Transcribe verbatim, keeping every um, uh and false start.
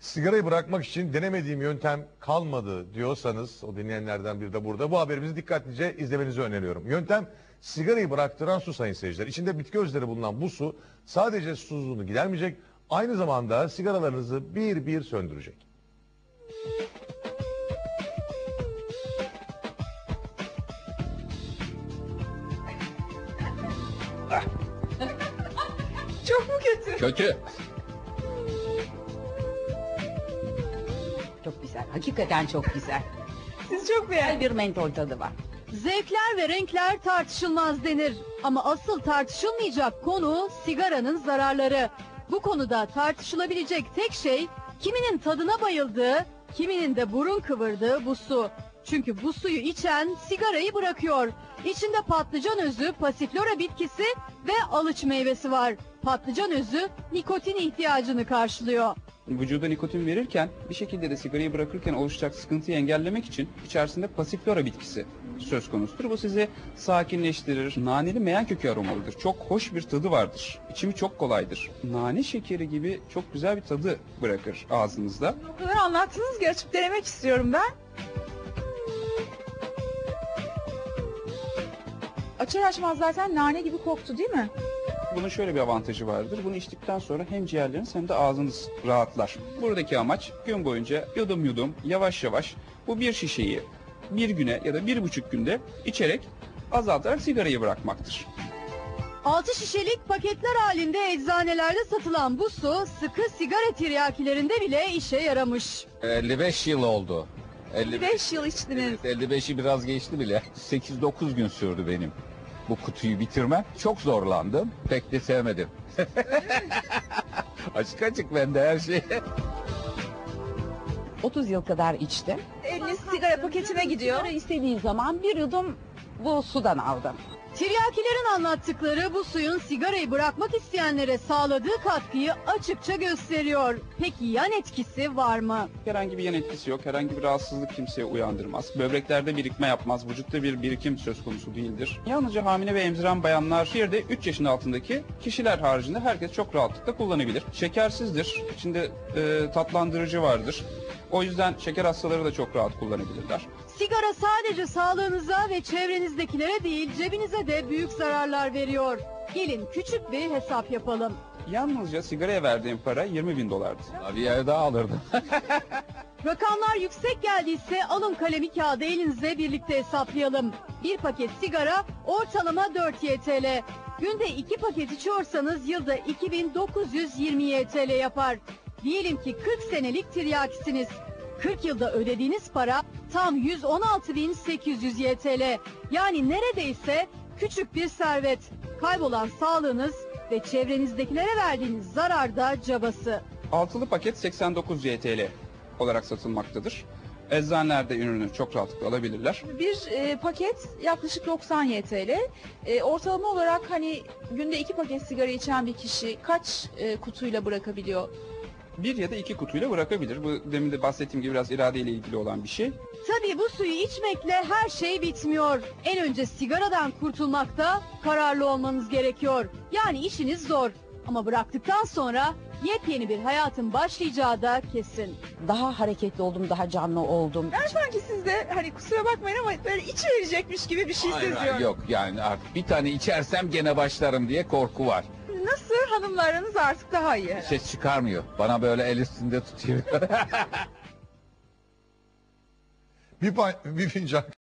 Sigarayı bırakmak için denemediğim yöntem kalmadı diyorsanız, o dinleyenlerden biri de burada. Bu haberimizi dikkatlice izlemenizi öneriyorum. Yöntem sigarayı bıraktıran su sayın seyirciler. İçinde bitki özleri bulunan bu su sadece susuzluğunu gidermeyecek, aynı zamanda sigaralarınızı bir bir söndürecek. Çok mu kötü? Kötü. Çok güzel. Hakikaten çok güzel. Siz çok beğendiniz. Bir mentol tadı var. Zevkler ve renkler tartışılmaz denir. Ama asıl tartışılmayacak konu sigaranın zararları. Bu konuda tartışılabilecek tek şey kiminin tadına bayıldığı, kiminin de burun kıvırdığı bu su. Çünkü bu suyu içen sigarayı bırakıyor. İçinde patlıcan özü, pasiflora bitkisi ve alıç meyvesi var. Patlıcan özü nikotin ihtiyacını karşılıyor. Vücuda nikotin verirken bir şekilde de sigarayı bırakırken oluşacak sıkıntıyı engellemek için içerisinde pasiflora bitkisi söz konusudur. Bu sizi sakinleştirir. Naneli meyan kökü aromalıdır. Çok hoş bir tadı vardır. İçimi çok kolaydır. Nane şekeri gibi çok güzel bir tadı bırakır ağzınızda. O kadar anlattınız ki açıp denemek istiyorum ben. Açar açmaz zaten nane gibi koktu değil mi? Bunun şöyle bir avantajı vardır. Bunu içtikten sonra hem ciğerleriniz hem de ağzınız rahatlar. Buradaki amaç gün boyunca yudum yudum yavaş yavaş bu bir şişeyi bir güne ya da bir buçuk günde içerek azaltarak sigarayı bırakmaktır. Altı şişelik paketler halinde eczanelerde satılan bu su sıkı sigara tiryakilerinde bile işe yaramış. elli beş yıl oldu. elli beş yıl içtiniz. Evet, elli beşi biraz geçti bile. sekiz dokuz gün sürdü benim bu kutuyu bitirmem. Çok zorlandım. Pek de sevmedim. Açık açık bende her şey. otuz yıl kadar içtim. Eliniz sigara paketine gidiyor. Sigara istediği zaman bir yudum bu sudan aldım. Tiryakilerin anlattıkları bu suyun sigarayı bırakmak isteyenlere sağladığı katkıyı açıkça gösteriyor. Peki yan etkisi var mı? Herhangi bir yan etkisi yok. Herhangi bir rahatsızlık kimseye uyandırmaz. Böbreklerde birikme yapmaz. Vücutta bir birikim söz konusu değildir. Yalnızca hamile ve emziren bayanlar, bir de üç yaşın altındaki kişiler haricinde herkes çok rahatlıkla kullanabilir. Şekersizdir. İçinde e, tatlandırıcı vardır. O yüzden şeker hastaları da çok rahat kullanabilirler. Sigara sadece sağlığınıza ve çevrenizdekilere değil cebinize de büyük zararlar veriyor. Gelin küçük bir hesap yapalım. Yalnızca sigaraya verdiğim para yirmi bin dolardı. Bir yer daha alırdım. Rakamlar yüksek geldiyse alın kalemi kağıdı elinize birlikte hesaplayalım. Bir paket sigara ortalama dört Y T L. Günde iki paket içiyorsanız yılda iki bin dokuz yüz yirmi Y T L yapar. Diyelim ki kırk senelik tiryakisiniz. kırk yılda ödediğiniz para tam yüz on altı bin sekiz yüz Y T L. Yani neredeyse küçük bir servet. Kaybolan sağlığınız ve çevrenizdekilere verdiğiniz zarar da cabası. Altılı paket seksen dokuz Y T L olarak satılmaktadır. Eczanelerde ürünü çok rahatlıkla alabilirler. Bir e, paket yaklaşık doksan Y T L. E, ortalama olarak hani günde iki paket sigara içen bir kişi kaç e, kutuyla bırakabiliyor? Bir ya da iki kutuyla bırakabilir. Bu demin de bahsettiğim gibi biraz iradeyle ilgili olan bir şey. Tabii bu suyu içmekle her şey bitmiyor. En önce sigaradan kurtulmakta kararlı olmanız gerekiyor. Yani işiniz zor. Ama bıraktıktan sonra yepyeni bir hayatın başlayacağı da kesin. Daha hareketli oldum, daha canlı oldum. Ben sanki siz de hani kusura bakmayın ama böyle içi verecekmiş gibi bir şey Hayır, hayır, seziyorum. yok yani artık bir tane içersem gene başlarım diye korku var. Nasıl hanımlarınız artık daha iyi? Ses çıkarmıyor. Bana böyle el üstünde tutuyor. Bir, pa- bir fincan